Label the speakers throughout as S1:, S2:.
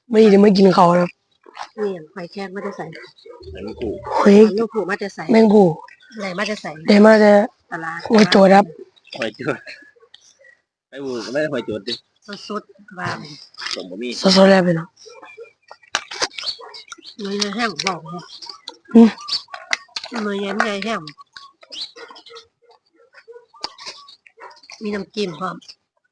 S1: ไม่ได้ไม่กินเขาครับ
S2: นี่อย่างหอยแครงไม่ได้ใส่
S3: แมงกู
S1: หอย
S2: ลูกผูไม่ได้ใส่
S1: แมงผู้
S2: อะไรไม่ได้ใส่
S1: ได้มาแต่
S2: ปลา
S1: หอยโจดครับ
S3: หอยจุดไอ้บูไม่ได้หอยจุดดิ
S2: สุดๆว่า
S3: สมบะหมี่
S1: สดๆแล้วไปเนาะ
S2: เนื้อแห้งบอกเลยเนื้อแห้งมีน้ำจิ้มพร้อม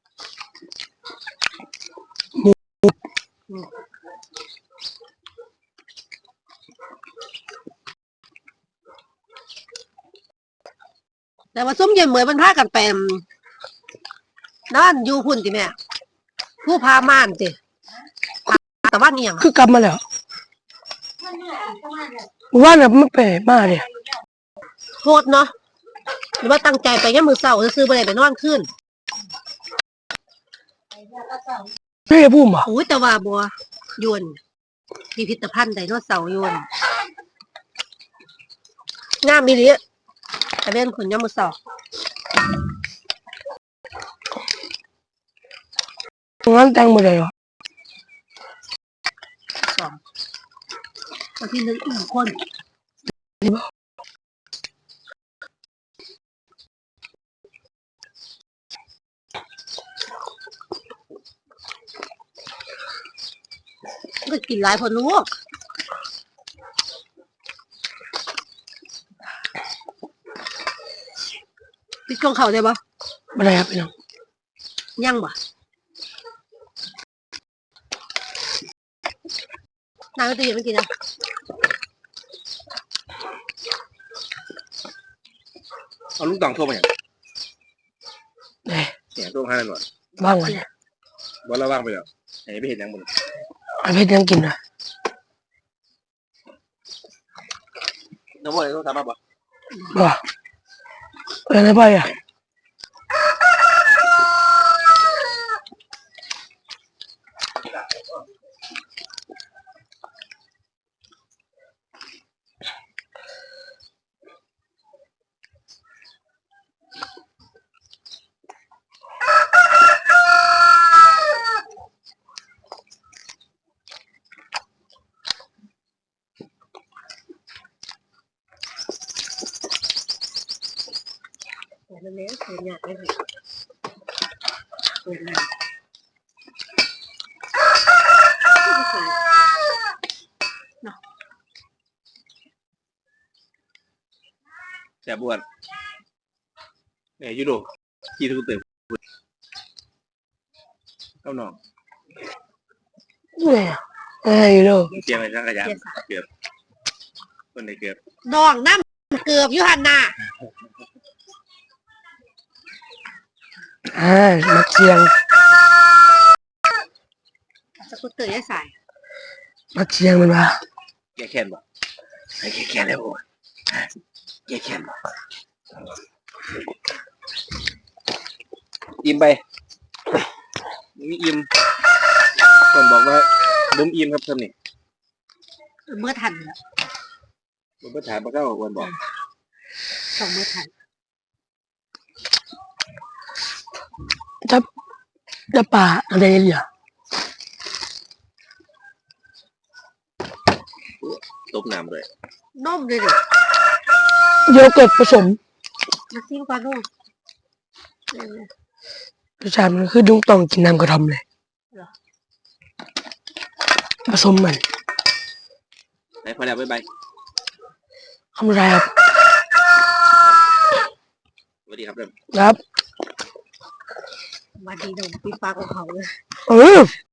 S2: แต่ว่าส้มเย็นเหมือนมันพากันไปนั่นอยู่พุ่นติแม่ผู้พาม่านติแต่ว่าเนี่ย
S1: คือกลับมาแล้วว่าแบบไม่ไปมาเนี่ย
S2: โคตรเนาะหรือว่าตั้งใจไปแค่มือเสาร์ซื้อไปนอนขึ้น
S1: ไม่ได้พูดมา
S2: อุ้ยแต่ว่าบัวยวนพิพิธภัณฑ์ไดโนเสาร์ยวนงามมีหรือแต่เป็นคนย่อมือเสาร์
S1: งั้นแต่งหมดเลยเหรอ
S2: สองวันที่1คนก็กินหลายคนลูกพี่กงเขาได้ปะ
S1: ไม่ได้ครับพี่น้อง
S2: ยังปะนางก็ตีไม่กินนะ
S3: เอาลูกตองโทรมาอย่าง
S1: เนี่ย
S3: โทรมาให้หน่อย
S1: ว่างวันเนี่ย
S3: วันละว่างไปแล้วไหนไปเห็นยังบุญ
S1: ไอ้เพชรยังกินนะ
S3: น้ำมันต้องทำมาบ่
S1: บ่อะไรไปอ่ะ
S2: นั่นเองเสียงไม่ถูก
S3: แสบบ้วนเนี่ยยูโดขี่ทุกเติมเข้าหนอง
S1: เนี่ยอยู่ดู
S3: เกียร์อะไรช่างกระยานเกือบคนในเกือบ
S2: ดองน้ำเกือบยุหันนา
S1: มักเชียง
S2: สกุตเตอร์ได้ใส่
S1: มักเชียงมันวะ
S3: แกแค้นบ่ไอ้แกแค้นแล้วบ่แกแค้นบ่อิ่มไปมีอิ่มคนบอกว่าบุ้มอิ่มครับท่านนี่
S2: เมื่อทันแล้ว
S3: ผมก็ถามมาก็วันบอก
S2: 2เมื่อทัน
S1: จะป่าอะไรเนี่ย
S3: ต้มน้ำเลย
S2: นมเลยดิ
S1: โยเกิร์ตผสม
S2: มาซิ้วกันลูก
S1: รสชาติมันคือดุ้งต้องกินน้ำกระทำเลยผสมมัน
S3: ไปพอแล้วบ๊ายบาย
S1: คำไรครับ
S3: สวัสดีครับเริ่ม
S1: ครับ
S2: วันดีดมปีฟ้าของเขาเลย